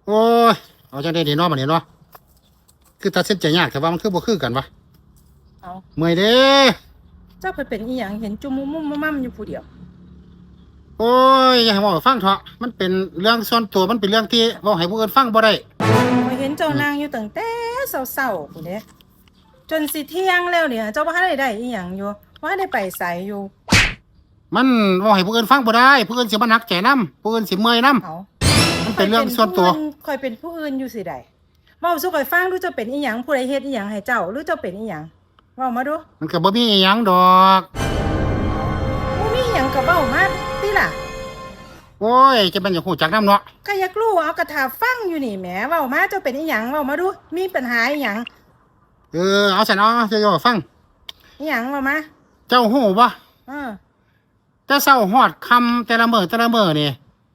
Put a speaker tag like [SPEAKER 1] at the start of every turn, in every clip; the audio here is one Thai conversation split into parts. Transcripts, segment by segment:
[SPEAKER 1] โอ้ยเอาจังได้ดีเนาะบัดนี้เนาะคือตัดสินใจยากแต่ว่ามันคือบ่คือกันวะ
[SPEAKER 2] เอา
[SPEAKER 1] เมื่อยเด้
[SPEAKER 2] เจ้าเพิ่นเป็นอีหยังเห็นจุมมุมมั่มอยู่ผู้เดียว
[SPEAKER 1] โอ้ยอย่าให้เว้าให้ฟังเถอะมันเป็นเรื่องส่วนตัวมันเป็นเรื่องที่เว้าให้ผู้อื่นฟังบ่ได้
[SPEAKER 2] ข้อยเห็นเจ้านางอยู่ตั้งแต่เช้าๆพุ่นเด้จนสิเที่ยงแล้วเนี่ยเจ้าบ่ทันได้อีหยังอยู่บ่ทันได้ไปไสอยู่
[SPEAKER 1] มันเว้าให้ผู้อื่นฟังบ่ได้ผู้อื่นสิมาหนักใจนํผู้อื่นสิเมื่อยนํ
[SPEAKER 2] เอา
[SPEAKER 1] มันเป็นเรื่องส่วนตัว
[SPEAKER 2] ข่อยเป็นผู้อื่นอยู่สิใดเว้าสู่ข่อยฟังดูเจ้าเป็นอีหยังผู้ใดเฮ็ดอีหยังให้เจ้าหรือเจ้าเป็นอีหยังเว้ามาดู
[SPEAKER 1] มันก็บ่มีอีหยังดอก
[SPEAKER 2] บ่มีหยังก็เว้ามาติล่ะ
[SPEAKER 1] โอ้ยจะเป็นอย่างฮู้จักนำเนาะ
[SPEAKER 2] ก็อยากรู้เอากระถาฟังอยู่นี่แหมเว้ามาเจ้าเป็นอีหยังเว้ามาดูมีปัญหาอีหยัง
[SPEAKER 1] เอาซั่นเอาจะย่อฟัง
[SPEAKER 2] อีหยังเว้ามา
[SPEAKER 1] เจ้าฮู้บ่
[SPEAKER 2] เออ
[SPEAKER 1] แต่เช้าฮอดค่ำแต่ละมื้อนี่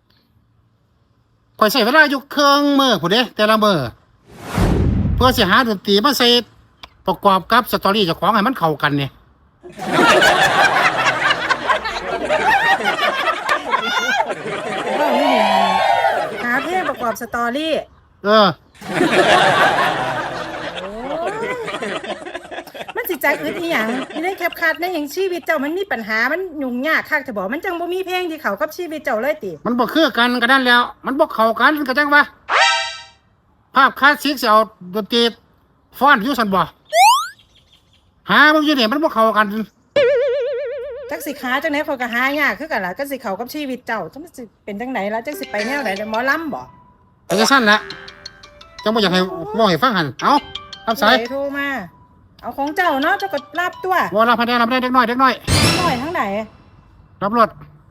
[SPEAKER 1] ข่อยใช้เวลาอยู่ครึ่งมื้อพุ่นเด้แต่ละมื้อเพื่อสิหาดนตรีมาใส่ประกอบกับสตอรี่เจ้าของให้มันเข้ากันนี่
[SPEAKER 2] เว้าอยู่นี่หาเพลงประกอบสตอรี่มันสิจักอึดอีหยังอยู่ในแคปคัดในหยังชีวิตเจ้ามันมีปัญหามันยุ่งยากคักจะบอกมันจังบ่มีเพลงที่เข้ากับชีวิตเจ้าเลยติ
[SPEAKER 1] มันบ่คือกันก็นั่นแล้วมันบ่เข้ากันก็จังว่าภาพคลาสสิกสิเอาดนตรีฟ้อนอยู่ซั่นบ่หาบ่อยู่นี่มันบ่เข้ากัน
[SPEAKER 2] จักสิขาจังได๋เขาก็หายากคือกันล่ะจักสิเข้ากับชีวิตเจ้าจังสิเป็นจังไดล่ะจักสิไปแนวใดหมอลำบ่
[SPEAKER 1] เป็นจังซั่นแหละจังบ่อยากให้เว้าให้ฟังหั่นเอ้ารับสาย
[SPEAKER 2] โทรมาเอาของเจ้าเนาะเจ้าก็รับตัว
[SPEAKER 1] บ่รับให้ได้เด็กน้อย
[SPEAKER 2] น้อยทั้งไหน
[SPEAKER 1] รับรถ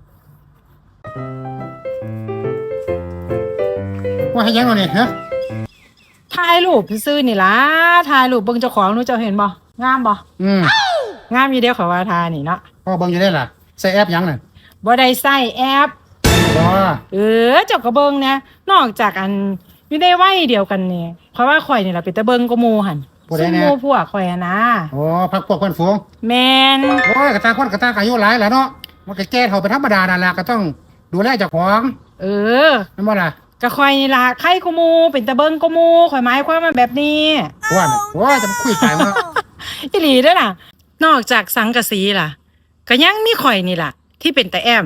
[SPEAKER 1] ว่าให้ยังเอานี่ฮะ
[SPEAKER 2] ถ่ายรูปซื่อนี่ล่ะถ่ายรูปเบิ่งเจ้าของหนูเจ้าเห็นบ่งามบ่งามอยู่เด้อเขาว่าทานี่เนาะ
[SPEAKER 1] พอเบิ่งอยู่ได้ล่ะใส่แอปหยังนั่น
[SPEAKER 2] บ่ได้ใส่แอป
[SPEAKER 1] บ่
[SPEAKER 2] เจ้าก็เบิ่งนะนอกจากอันอยู่ในวัยเดียวกันนี่เพราะว่าข่อยนี่ล่ะเป็นตาเบิ่งก็หมู่หั่นซุ่มหมู่พวกข่อยนะ
[SPEAKER 1] โอ้พักพวกเพิ่นฝูง
[SPEAKER 2] แม่น
[SPEAKER 1] โอ้ยกะตาคนกะตาอายุหลายแล้วเนาะมันก็แก่เฒ่าเป็นธรรมดานั่นล่ะก็ต้องดูแลเจ้าของแม่นบ่ล่ะ
[SPEAKER 2] ก็ข่อยนี่ล่ะใครก็หมู่เป็นตาเบิ่งก็หมู่ข่อยหมายความว่าแบบนี้
[SPEAKER 1] ว่าน่ะโอ้ยจะมาคุยไปมา
[SPEAKER 2] อีหลีเด้อน่ะนอกจากสังกะสีล่ะก็ยังมีข่อยนี่ล่ะที่เป็นตาแอม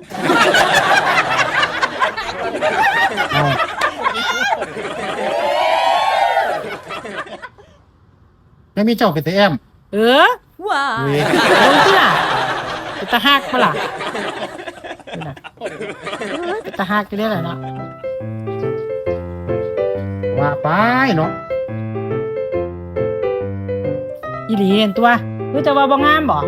[SPEAKER 1] แล้วมีเจ้าเป็นตาแอม
[SPEAKER 2] ว้าลงที่ล่ะเป็นตาฮักปะล่ะเป็นตาฮักก็ได้แหละเนาะ
[SPEAKER 1] ว่าไปเนาะ
[SPEAKER 2] อีหลีเห็นตัวรู้จะว่าบ่งามบ่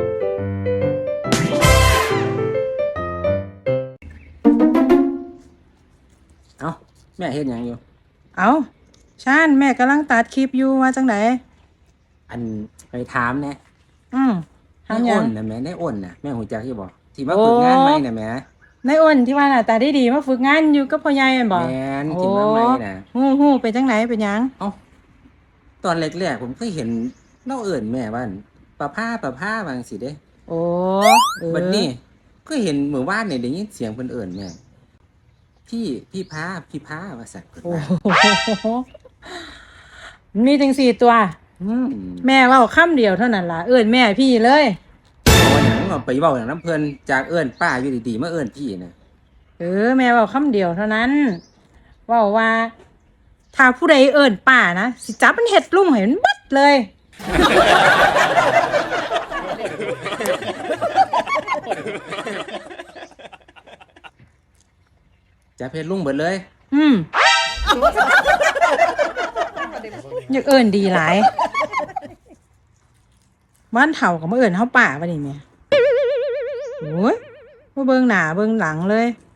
[SPEAKER 3] เอ้าแม่เฮ็ดหยังอยู่
[SPEAKER 2] ชันแม่กำลังตัดคลิปอยู่ว่าจังได
[SPEAKER 3] อันไปถามแน่
[SPEAKER 2] ถามหยัง
[SPEAKER 3] น่ะแม่ในอ้นน่ะแม่ฮู้จักอยู่บ่ที่มาฝึกงานใหม่น่ะแม่
[SPEAKER 2] ในอ้นที่ว่าหน้าตาดีๆมาฝึกงานอยู่กับพ่อใหญ่แม่นบ่
[SPEAKER 3] แม่นที่มาใหม่น่ะ
[SPEAKER 2] ฮู้เป็นจังไดเป็นหยัง
[SPEAKER 3] ตอนแรกๆผมเคยเห็นเราเอิ้นแม่ว่าป้าพาว่าจังซี่เด้บัดนี้ก็เห็นมื้อวานนี่ได้ยินเสียงเพิ่นเอิ้นแม่พี่พาว่าซั่นเพิ่นว่า
[SPEAKER 2] มีจัง4ตัวแม่เว้าคำเดียวเท่านั้นล่ะเอิ้นแม่พี่เลย
[SPEAKER 3] ว่าหยังไปเว้าหยังนำเพิ่นจากเอิ้นป้าอยู่ดีๆมาเอิ้นพี่น่ะ
[SPEAKER 2] แม่เว้าคำเดียวเท่านั้นเว้าว่าถ้าผู้ใดเอิ้นป้านะสิจับมันเฮ็ดลุ่มให้มันเบิดเลย
[SPEAKER 3] จะเพชรลุงเบิดเลย
[SPEAKER 2] อยากเอิ้นดีหลายบ้านเฒ่าก็มาเอิ้นเฮาป้าบัดนี้แม่โอ้ยบ่เบิ่งหน้าเบิ่งหลังเลย